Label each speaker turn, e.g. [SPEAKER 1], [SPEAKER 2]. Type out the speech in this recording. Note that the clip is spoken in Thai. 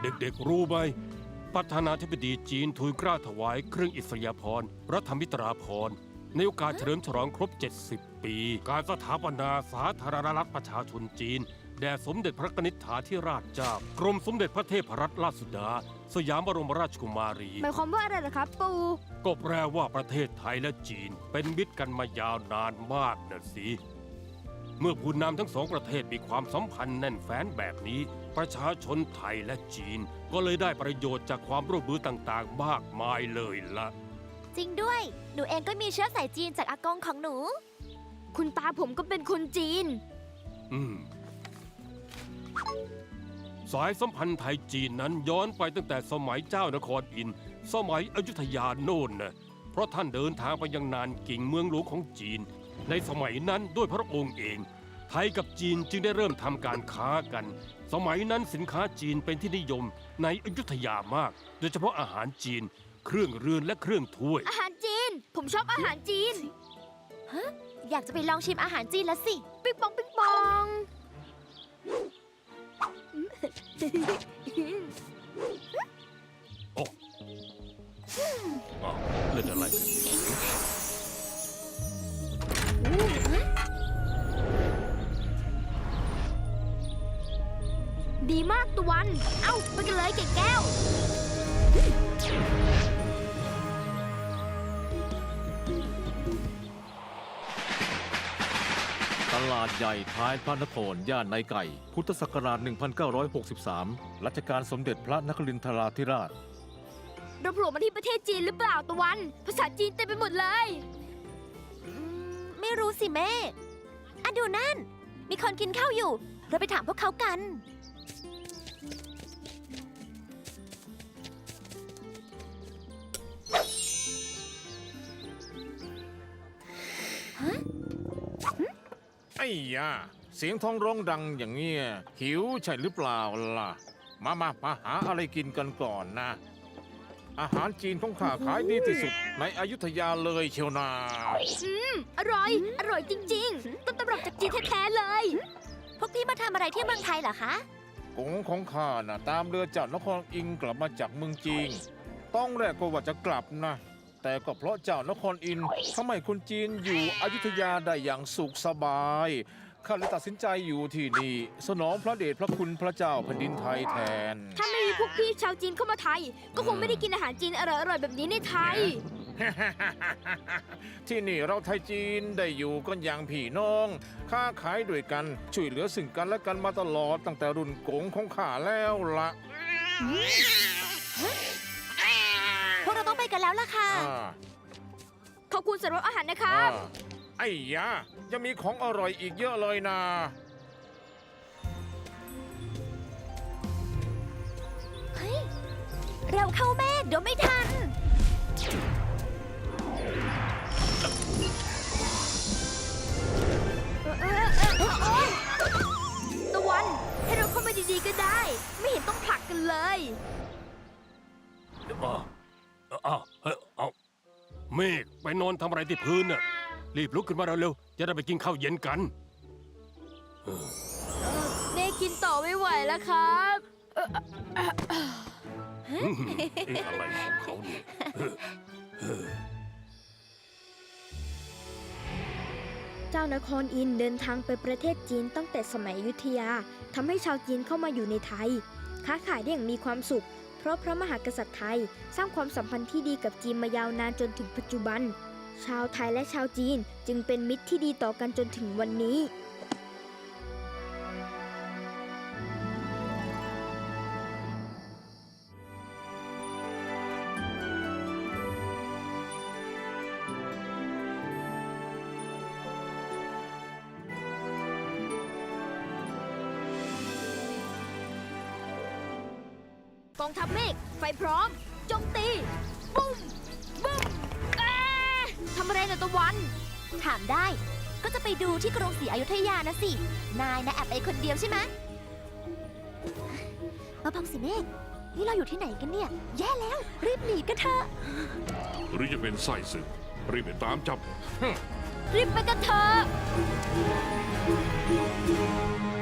[SPEAKER 1] เด็กๆรู้ไหมประธานาธิบดีจีนทูลเกล้าถวายเครื่องอิสริยาภรณ์รัฐมิตราภรณ์ในโอกาสเฉลิมฉลองครบ 70 ปี การสถาปนาสาธารณรัฐประชาชนจีนแด่สมเด็จพระนิธิฐาธิราชเจ้ากรมสมเด็จพระเทพรัตนราชสุดาสยามบรมราชกุมารี
[SPEAKER 2] หมายความว่าอะไรล่ะครับปู่
[SPEAKER 1] ก็แปลว่าประเทศไทยและจีนเป็นมิตรกันมายาวนานมากนะสิเมื่อผู้นำทั้งสองประเทศมีความสัมพันธ์แน่นแฟ้นแบบนี้ประชาชนไทยและจีนก็เลยได้ประโยชน์จากความร่วมมือต่างๆมากมายเลยล่ะ
[SPEAKER 3] จริงด้วย หนูเองก็มีเชื้อสายจีนจากอากงของหนู
[SPEAKER 2] คุณตาผมก็เป็นคนจีน
[SPEAKER 1] สายสัมพันธ์ไทยจีนนั้นย้อนไปตั้งแต่สมัยเจ้านครอินทร์สมัยอยุธยาโน่นนะเพราะท่านเดินทางไปยังนานกิ่งเมืองหลวงของจีนในสมัยนั้นด้วยพระองค์เองไทยกับจีนจึงได้เริ่มทำการค้ากันสมัยนั้นสินค้าจีนเป็นที่นิยมในอยุธยามากโดยเฉพาะอาหารจีนเครื่องเรือนและเครื่องถ้วย
[SPEAKER 2] อาหารจีน ผมชอบอาหารจีน
[SPEAKER 3] อยากจะไปลองชิมอาหารจีนแล้วสิ
[SPEAKER 2] ปิ๊งปองปิ๊งปอง
[SPEAKER 1] โอ้อ้าวเล่นอะไรกัน
[SPEAKER 2] ดีมากตะวัน เอ้าไปกันเลยเก่งแก้ว
[SPEAKER 4] ตลาดใหญ่ท้ายพระนครย่านในไก่ พุทธศักราช 1963 รัชกาลสมเด็จพระนครินทราธิราช
[SPEAKER 2] เราโผล่มาที่ประเทศจีนหรือเปล่าตะวัน ภาษาจีนเต็มไปหมดเลย
[SPEAKER 3] ไม่รู้สิแม่อะดูนั่น มีคนกินข้าวอยู่ เราไปถามพวกเขากัน
[SPEAKER 4] ไอ้ยาเสียงท้องร้องดังอย่างเงี้ยหิวใช่หรือเปล่าล่ะ มาหาอะไรกินกันก่อนนะ อาหารจีนของข้าขายดีที่สุดในอยุธยาเลยเชียวนา
[SPEAKER 2] อร่อย อร่อยจริงๆ ต้นตำรับจากจีนแท้ๆเลย
[SPEAKER 3] พวกพี่มาทำอะไรที่เมืองไทยเหรอคะ
[SPEAKER 4] กงของข้าน่ะตามเรือจากนครอิงกลับมาจากเมืองจีนต้องแรกก็ว่าจะกลับนะ แต่ก็เพราะเจ้านครอินทร์ทำให้คนจีนอยู่อยุธยาได้อย่างสุขสบายข้าเลยตัดสินใจอยู่ที่นี่สนองพระเดชพระคุณพระเจ้าแผ่นดินไทยแทน
[SPEAKER 2] ถ้าไม่มีพวกพี่ชาวจีนเข้ามาไทย ก็คงไม่ได้กินอาหารจีนอร่อยๆแบบนี้ในไทย
[SPEAKER 4] ที่นี่เราไทยจีนได้อยู่กันอย่างพี่น้องค้าขายด้วยกันช่วยเหลือซึ่งกันและกันมาตลอดตั้งแต่รุ่นกงของข้าแล้วละ
[SPEAKER 3] พวกเราต้องไปกันแล้วล่ะค่ะ
[SPEAKER 2] ขอบคุณสำหรับอาหารนะครับ
[SPEAKER 4] ไอ้ยายังมีของอร่อยอีกเยอะเลยนะ
[SPEAKER 3] เฮ้ย เร็วเข้าแม่เดี๋ยวไม่ทัน
[SPEAKER 2] ตะวัน ให้เราเข้ามาดีๆก็ได้ ไม่เห็นต้องผลักกันเลย
[SPEAKER 1] เอาเมฆไปนอนทำอะไรที่พื้นน่ะรีบลุกขึ้นมาเร็วๆจะได้ไปกินข้าวเย็นกัน
[SPEAKER 2] เน่กินต่อไม่ไหวแล้วครับ
[SPEAKER 1] อะไรของเขาเนี่ย
[SPEAKER 2] เจ้านครอินทร์เดินทางไปประเทศจีนตั้งแต่สมัยอยุธยาทำให้ชาวจีนเข้ามาอยู่ในไทย ค้าขายได้อย่างมีความสุข เพราะพระมหากษัตริย์ไทยสร้างความสัมพันธ์ที่ดีกับจีนมายาวนานจนถึงปัจจุบัน ชาวไทยและชาวจีนจึงเป็นมิตรที่ดีต่อกันจนถึงวันนี้ กองทัพเมฆไฟพร้อมโจมตี ปุ้มบึ้มทำอะไรนะตะวัน
[SPEAKER 3] ถามได้ ก็จะไปดูที่กรุงศรีอยุธยานะสิ นายนะแอบไปคนเดียวใช่ไหมมาพังสิเมฆนี่เราอยู่ที่ไหนกันเนี่ย แย่แล้ว รีบหนีกันเถอะ
[SPEAKER 5] หรือจะเป็นไส้ศึกรีบไปตามจับ
[SPEAKER 2] รีบไปกันเถอะ